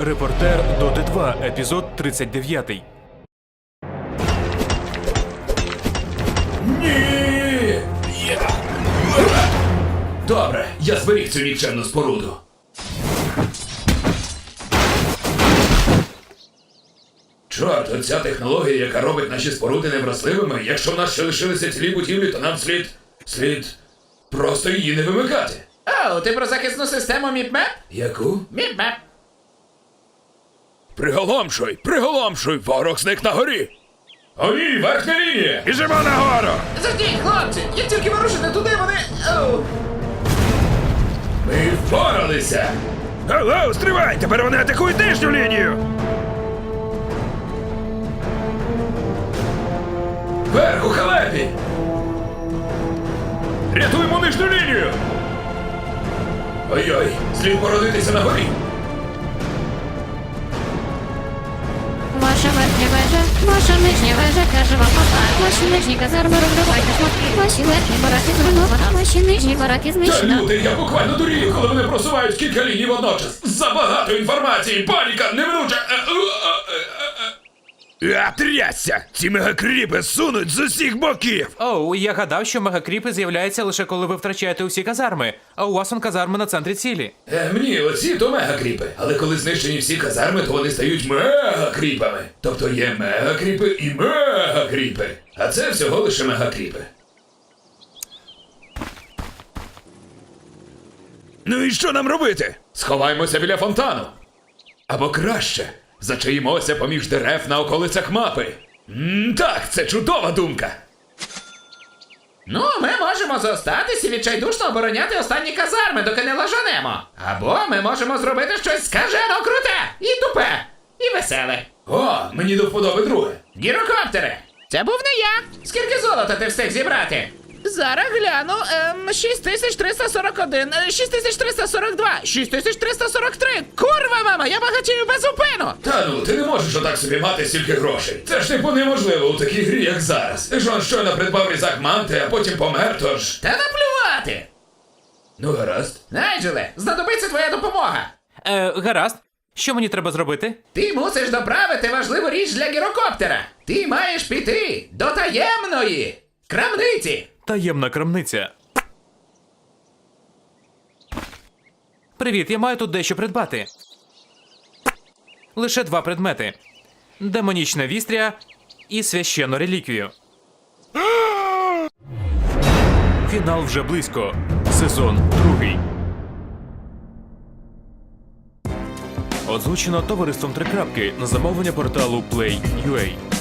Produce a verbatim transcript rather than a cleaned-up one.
Репортер Доти два, епізод тридцять дев'ятий. Ні! Є! Добре, я зберіг цю нікчемну споруду. Чорт, оця технологія, яка робить наші споруди невразливими, якщо в нас ще лишилися цілі будівлі, то нам слід... слід... просто її не вимикати. О, ти про захисну систему Міпмеп? Яку? Міпмеп. Приголомшуй, приголомшуй, ворог зник на горі. О ні, верхня лінія! Біжимо нагору! Заждіть, хлопці! Як тільки вирушите туди, вони... Оу. Ми впоралися! Алло, стривай! Тепер вони атакують нижню лінію! Вверх у халепі! Рятуємо нижню лінію! Ой-ой, слід породитися на горі! Ваша верхня вежа, ваша нижня вежа, каже вам папа. Ваші нижні казарми розривайте шматки. Ваші верхні бараки зруйновано, ваші нижні бараки Та знищено. люди, я буквально дурію, коли вони просувають кілька ліній водночас. Забагато інформації, паніка, неминуча. Е, е, е, е, е. А, трясся! Ці мегакріпи сунуть з усіх боків! Оу, я гадав, що мегакріпи з'являються лише коли ви втрачаєте усі казарми, а у вас он казарми на центрі цілі. Е, мені оці то мегакріпи, але коли знищені всі казарми, то вони стають мегакріпами. Тобто є мегакріпи і мегакріпи. А це всього лише мегакріпи. Ну і що нам робити? Сховаємося біля фонтану. Або краще, зачаїмося поміж дерев на околицях мапи. М, так, це чудова думка. Ну, ми можемо зостатись і відчайдушно обороняти останні казарми, доки не лажанемо. Або ми можемо зробити щось скажено круте, і тупе, і веселе. О, мені до вподоби друге. Гірокоптери! Це був не я! Скільки золота ти встиг зібрати? Зараз гляну, ем, шість тисяч триста сорок один, е, шість тисяч триста сорок два, шість тисяч триста сорок три! Курва, мама, я багатію без зупину! Та ну, ти не можеш отак собі мати стільки грошей. Це ж типу неможливо у такій грі, як зараз. Ти ж он щойно придбав різак манти, а потім помер, тож... Та наплювати! Ну, гаразд. Найджеле, знадобиться твоя допомога! Е, гаразд. Що мені треба зробити? Ти мусиш доправити важливу річ для гірокоптера! Ти маєш піти до таємної крамниці! Таємна крамниця. Привіт, я маю тут дещо придбати. Лише два предмети. Демонічне вістря і священну реліквію. Фінал вже близько. Сезон другий. Озвучено товариством Три крапки на замовлення порталу Play.ua.